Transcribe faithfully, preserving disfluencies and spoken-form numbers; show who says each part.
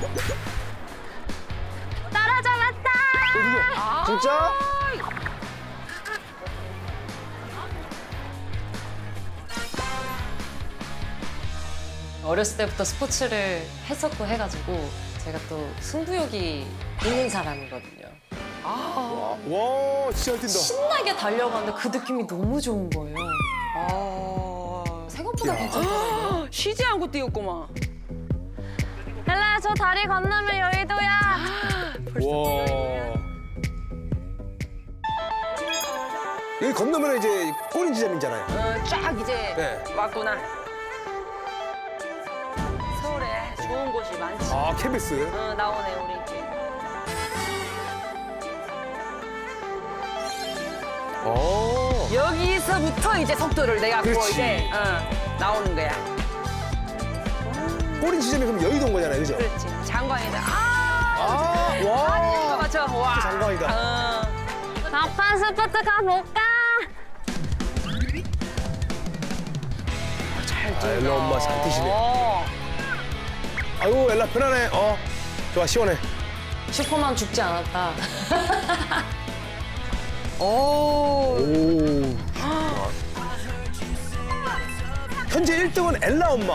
Speaker 1: 따라잡았다.
Speaker 2: 아 진짜?
Speaker 3: 어렸을 때부터 스포츠를 했었고 해가지고 제가 또 승부욕이 있는 사람이거든요.
Speaker 2: 와, 와 진짜 잘 뛴다.
Speaker 3: 신나게 달려가는데 그 느낌이 너무 좋은 거예요.
Speaker 4: 아.
Speaker 3: 생각보다 괜찮더라고요.
Speaker 4: 쉬지 않고 뛰었구만.
Speaker 1: 헬라야, 저 다리 건너면 여의도야.
Speaker 2: 와. 여기 건너면 이제 꼬린 지점이잖아요.
Speaker 4: 어, 쫙 이제
Speaker 2: 네.
Speaker 4: 왔구나. 서울에 좋은 곳이 많지.
Speaker 2: 아 케비스.
Speaker 4: 어, 나오네 우리 이제.
Speaker 2: 어.
Speaker 4: 여기서부터 이제 속도를 내갖고
Speaker 2: 그렇지.
Speaker 4: 이제 어, 나오는 거야.
Speaker 2: 꼬린 지점이 그럼 여의도인 거잖아요, 그죠?
Speaker 4: 그렇지. 장관이다. 아,
Speaker 2: 아,
Speaker 4: 이거
Speaker 2: 와.
Speaker 4: 맞죠? 와.
Speaker 2: 장관이다.
Speaker 4: 어.
Speaker 1: 막판 스포츠 가볼까?
Speaker 4: 잘
Speaker 2: 아, 엘라 엄마 잘 뛰시네.
Speaker 4: 어.
Speaker 2: 아이고 엘라 편하네. 어, 좋아 시원해.
Speaker 3: 슈퍼만 죽지 않았다.
Speaker 4: 오.
Speaker 2: 오. 현재 일 등은 엘라 엄마.